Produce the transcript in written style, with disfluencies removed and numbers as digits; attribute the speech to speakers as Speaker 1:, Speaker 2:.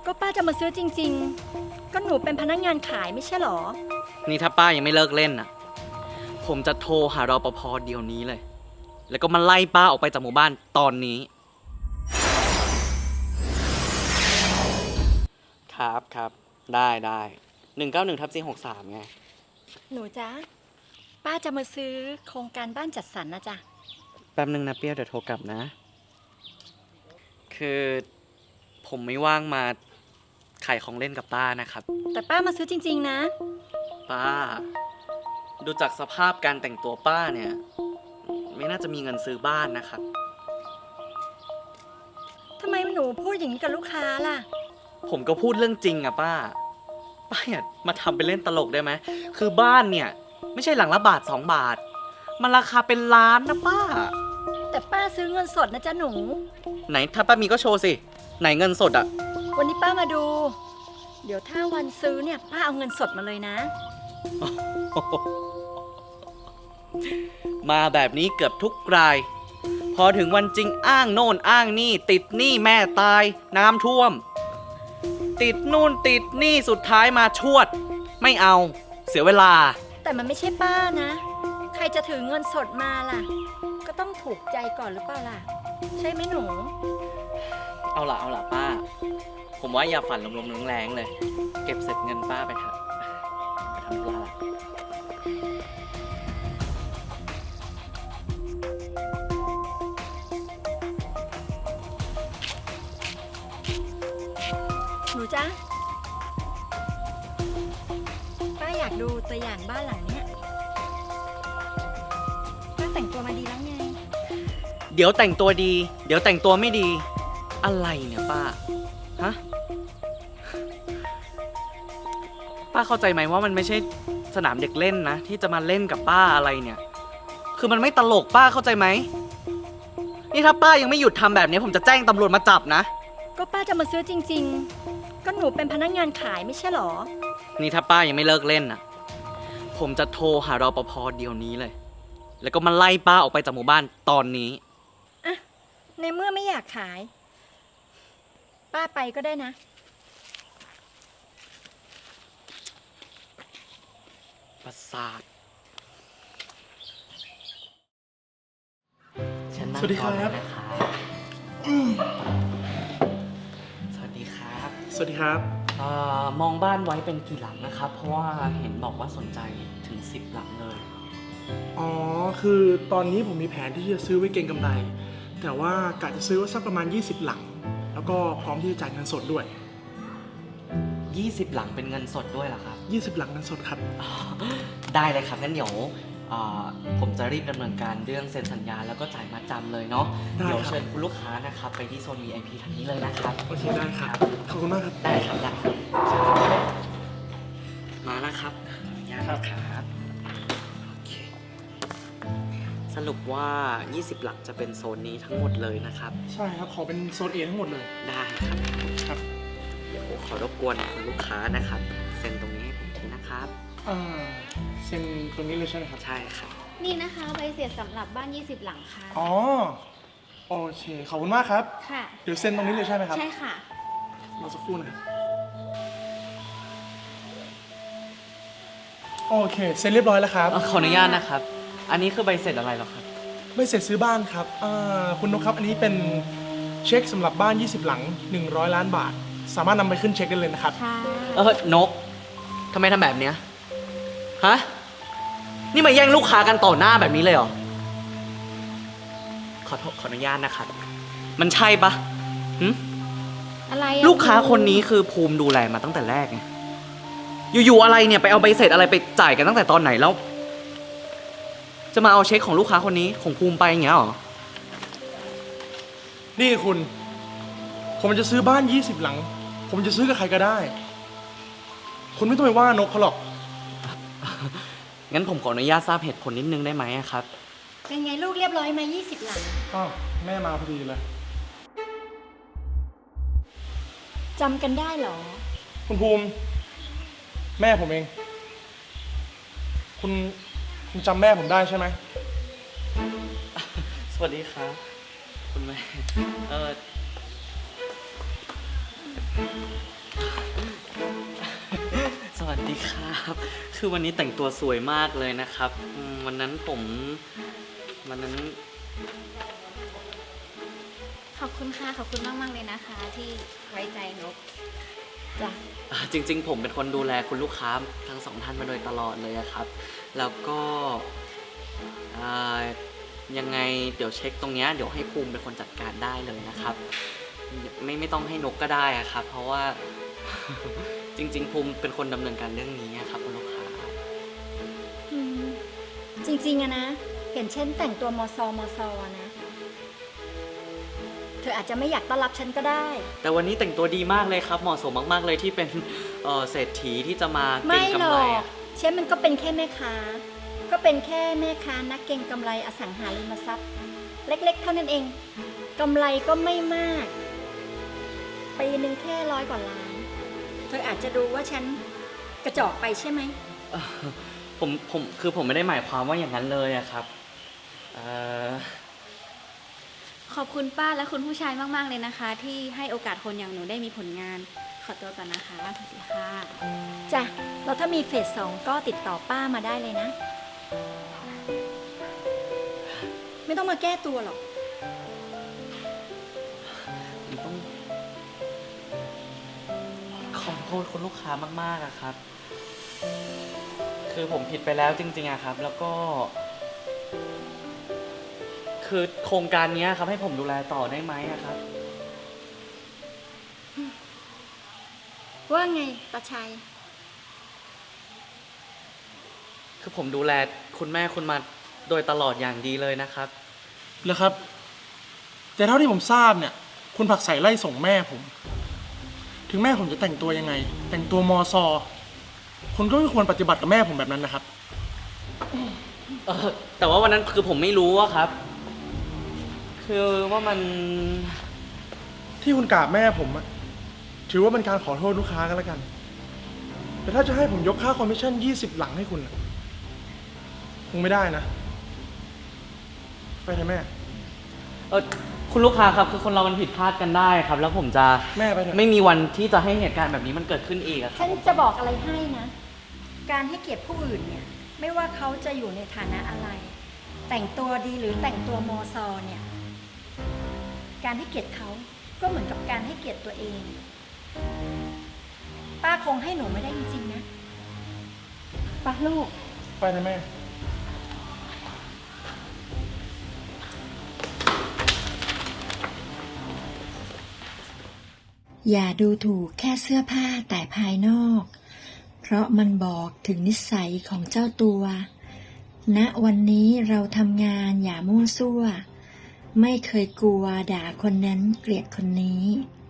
Speaker 1: ก็ป้าจะมาซื้อจริงๆก็หนูเป็นพนักงานขายไม่ใช่หรอ
Speaker 2: นี่ถ้าป้ายังไม่เลิกเล่นน่ะผมจะโทรหารปภเดี๋ยวนี้เลยแล้วก็มาไล่ป้าออกไปจากหมู่บ้านตอนนี้ครับได้191/463ไง
Speaker 1: หนูจ๊ะป้าจะมาซื้อโครงการบ้านจัดสรรนะจ๊ะ
Speaker 2: แป๊บนึงนะเปรี้ยวเดี๋ยวโทรกลับนะคือผมไม่ว่างมาขายของเล่นกับป้านะครับ
Speaker 1: แต่ป้ามาซื้อจริงๆนะ
Speaker 2: ป้าดูจากสภาพการแต่งตัวป้าเนี่ยไม่น่าจะมีเงินซื้อบ้านนะครับ
Speaker 1: ทำไมหนูพูดอย่างนี้กับลูกค้าล่ะ
Speaker 2: ผมก็พูดเรื่องจริงอะป้าอย่ามาทำเป็นเล่นตลกได้ไหมคือบ้านเนี่ยไม่ใช่หลังละบาท2 บาทมันราคาเป็นล้านนะป้า
Speaker 1: แต่ป้าซื้อเงินสดนะจ๊ะหนู
Speaker 2: ไหนถ้าป้ามีก็โชว์สิไหนเงินสดอะ
Speaker 1: วันนี้ป้ามาดูเดี๋ยวถ้าวันซื้อเนี่ยป้าเอาเงินสดมาเลยนะ
Speaker 2: มาแบบนี้เกือบทุกรายพอถึงวันจริงอ้างโน่นอ้างนี่ติดหนี้แม่ตายน้ำท่วมติดนู่นติดหนี้สุดท้ายมาชวดไม่เอาเสียเวลา
Speaker 1: แต่มันไม่ใช่ป้านะใครจะถือเงินสดมาล่ะก็ต้องถูกใจก่อนหรือเปล่าล่ะใช่ไหมหนู
Speaker 2: เอาล่ะป้าผมว่าอย่าฝันลมๆแรงๆเลยเก็บเสร็จเงินป้าไปเถอะไปทำธุระละ
Speaker 1: หนูจ๊ะป้าอยากดูตัวอย่างบ้านหลังเนี้ยป้าแต่งตัวมาดีแล้วไง
Speaker 2: เดี๋ยวแต่งตัวดีเดี๋ยวแต่งตัวไม่ดีอะไรเนี่ยป้าฮะป้าเข้าใจไหมว่ามันไม่ใช่สนามเด็กเล่นนะที่จะมาเล่นกับป้าอะไรเนี่ยคือมันไม่ตลกป้าเข้าใจไหมนี่ถ้าป้ายังไม่หยุดทำแบบนี้ผมจะแจ้งตำรวจมาจับนะ
Speaker 1: ก็ป้าจะมาซื้อจริงๆก็หนูเป็นพนักงานขายไม่ใช่หรอ
Speaker 2: นี่ถ้าป้ายังไม่เลิกเล่นน่ะผมจะโทรหารปภเดี๋ยวนี้เลยแล้วก็มาไล่ป้าออกไปจากหมู่บ้านตอนนี้
Speaker 1: อะในเมื่อไม่อยากขายป้าไปก็ได้นะ
Speaker 2: ประสาท
Speaker 3: สวัสดีครับ
Speaker 2: สวัสดีครับ
Speaker 3: สวัสดีครับ
Speaker 2: มองบ้านไว้เป็นกี่หลังนะครับเพราะว่าเห็นบอกว่าสนใจถึง10 หลังเลย
Speaker 3: อ๋อคือตอนนี้ผมมีแผนที่จะซื้อไว้เก็งกำไรแต่ว่ากะจะซื้อไว้สักประมาณ20 หลังแล้วก็พร้อมที่จะจ่ายเงินสดด้วย
Speaker 2: 20 หลังเป็นเงินสดด้วยเหรอครับ
Speaker 3: 20 หลังเงินสดครับ
Speaker 2: ได้เลยครับงั้นเดี๋ยวผมจะรีบดำเนินการเรื่องเซ็นสัญญาแล้วก็จ่ายมัดจำเลยเนาะเดี๋ยวเชิญคุณลูกค้านะครับไปที่โซน VIP ทางนี้เลยนะครับ
Speaker 3: โอเคได้ครับขอบคุณมากครับ
Speaker 2: ได้ครับมาแล้วครับครับโอเคสรุปว่า20 หลังจะเป็นโซนนี้ทั้งหมดเลยนะครับ
Speaker 3: ใช่ครับขอเป็นโซน A ทั้งหมดเลย
Speaker 2: ได้ครับเดี๋ยวขอรบกวนคุณลูกค้านะครับเซ็นตรงนี้ให้ผมทีนะครับ
Speaker 3: เซ็นตรงนี้เลยใช่ไหมครับ
Speaker 2: ใช่ครับ
Speaker 4: นี่นะคะใบเสร็จสำหรับบ้าน20 หลังค่ะ
Speaker 3: อ๋อโอเคขอบคุณมากครับ
Speaker 4: ค่ะ
Speaker 3: เดี๋ยวเซ็นตรงนี้เลยใช่ไหมครับ
Speaker 4: ใช่ค่ะ
Speaker 3: รอสักครู่นะครับโอเคเซ็นเรียบร้อยแล้วครับ
Speaker 2: ขออนุญาตนะครับอันนี้คือใบเสร็จอะไรหรอครับ
Speaker 3: ใบเสร็จซื้อบ้านครับคุณนกครับอันนี้เป็นเช็คสำหรับบ้าน20 หลัง100 ล้านบาทสามารถนำไปขึ้นเช็คได้เลยนะครับ
Speaker 2: นกทำไมทำแบบเนี้ยฮะนี่มาแย่งลูกค้ากันต่อหน้าแบบนี้เลยเหรอขออนุญาตนะครับมันใช่ปะ
Speaker 4: อะไร
Speaker 2: ลูกค้าคนนี้คือภูมิดูแลมาตั้งแต่แรกไงอยู่ๆอะไรเนี่ยไปเอาใบเสร็จอะไรไปจ่ายกันตั้งแต่ตอนไหนแล้วจะมาเอาเช็คของลูกค้าคนนี้ของภูมิไปอย่างเงี้ยหรอ
Speaker 3: นี่คุณผมจะซื้อบ้าน20 หลังผมจะซื้อกับใครก็ได้คุณไม่ต้องไปว่านกเขาหรอก
Speaker 2: งั้นผมขออนุญาตทราบเหตุผลนิดนึงได้ไหมครับ
Speaker 1: เป็นไงลูกเรียบร้อยมา20 หลัง
Speaker 3: แม่มาพอดีเลย
Speaker 1: จำกันได้เหรอ
Speaker 3: คุณภูมิแม่ผมเองคุณจำแม่ผมได้ใช่ไหม
Speaker 2: สวัสดีครับคุณแม่ดีครับ คือวันนี้แต่งตัวสวยมากเลยนะครับวันนั้น
Speaker 4: ขอบคุณค่ะ ขอบคุณมาก ๆ เลยนะคะ ที่ไว้ใจนก
Speaker 1: จ้ะ
Speaker 2: จริงๆ ผมเป็นคนดูแลคุณลูกค้าทั้งสองท่านมาโดยตลอดเลยอะครับ แล้วก็ยังไงเดี๋ยวเช็คตรงเนี้ยเดี๋ยวให้ภูมิเป็นคนจัดการได้เลยนะครับ ไม่ต้องให้นกก็ได้อะครับ เพราะว่า จริงๆ ภูมิเป็นคนดำเนินการเรื่องนี้อะครับคุณลูกค้า
Speaker 1: อืมจริงๆอะนะ เห็นฉันแต่งตัวมอซอนะ เธออาจจะไม่อยากต้อนรับฉันก็ได้
Speaker 2: แต่วันนี้แต่งตัวดีมากเลยครับ เหมาะสมมากๆเลยที่เป็นเศรษฐีที่จะมาเก็
Speaker 1: ไม่
Speaker 2: ง
Speaker 1: หร
Speaker 2: กำไร
Speaker 1: อก
Speaker 2: อะ
Speaker 1: ฉันมันก็เป็นแค่แม่ค้า ก็เป็นแค่แม่ค้านักเก็งกำไรอสังหาริมทรัพย์ เล็กๆ เท่านั้นเองกำไรก็ไม่มากปีหนึ่งแค่100 กว่าล้าน เธออาจจะดูว่าฉันกระจอกไปใช่ไหม
Speaker 2: ผมไม่ได้หมายความว่าอย่างนั้นเลยอะครับ
Speaker 4: ขอบคุณป้าและคุณผู้ชายมาก ๆ เลยนะคะ ที่ให้โอกาสคนอย่างหนูได้มีผลงาน ขอตัวก่อนนะคะสวัสดีค่ะ
Speaker 1: จ้ะแล้วถ้ามีเฟส 2ก็ติดต่อป้ามาได้เลยนะ ไม่ต้องมาแก้ตัวหรอก
Speaker 2: ผมต้องขอโทษคุณลูกค้ามากๆอะครับ คือผมผิดไปแล้วจริงๆอะครับ แล้วก็ คือโครงการนี้ครับให้ผมดูแลต่อได้ไหมอะครับ
Speaker 1: ว่าไงตาชัย
Speaker 2: คือผมดูแลคุณแม่คุณมาโดยตลอดอย่างดีเลยนะครับ
Speaker 3: แล้วครับ แต่เท่าที่ผมทราบเนี่ย คุณผักใสไล่ส่งแม่ผม ถึงแม่ผมจะแต่งตัวยังไง แต่งตัวมอซอคุณก็ไม่ควรปฏิบัติกับแม่ผมแบบนั้นนะครับ
Speaker 2: แต่ว่าวันนั้นคือผมไม่รู้อะครับ คือว่ามัน
Speaker 3: ที่คุณกราบแม่ผมอะถือว่าเป็นการขอโทษลูกค้ากันแล้วกัน แต่ถ้าจะให้ผมยกค่าคอมมิชชั่น20 หลังให้คุณอะคงไม่ได้นะ ไปเถอะแม่
Speaker 2: คุณลูกค้าครับคือคนเรามันผิดพลาดกันได้ครับ แล้วผมจะ
Speaker 3: แม่ไปเถอะ
Speaker 2: ไม่มีวันที่จะให้เหตุการณ์แบบนี้มันเกิดขึ้นอีกอะครั
Speaker 1: ฉั
Speaker 2: บ
Speaker 1: นจะบอกอะไรให้นะ การให้เกียรติผู้อื่นเนี่ย ไม่ว่าเขาจะอยู่ในฐานะอะไร แต่งตัวดีหรือแต่งตัวมอซอเนี่ย การให้เกียรติเขาก็เหมือนกับการให้เกียรติตัวเอง ป้าคงให้หนูไม่ได้จริงๆนะป้าลูก
Speaker 3: ไปเถอะแม่
Speaker 5: อย่าดูถูกแค่เสื้อผ้าแต่ภายนอก เพราะมันบอกถึงนิสัยของเจ้าตัว ณ วันนี้เราทำงานอย่ามั่วซั่ว ไม่เคยกลัวด่าคนนั้นเกลียดคนนี้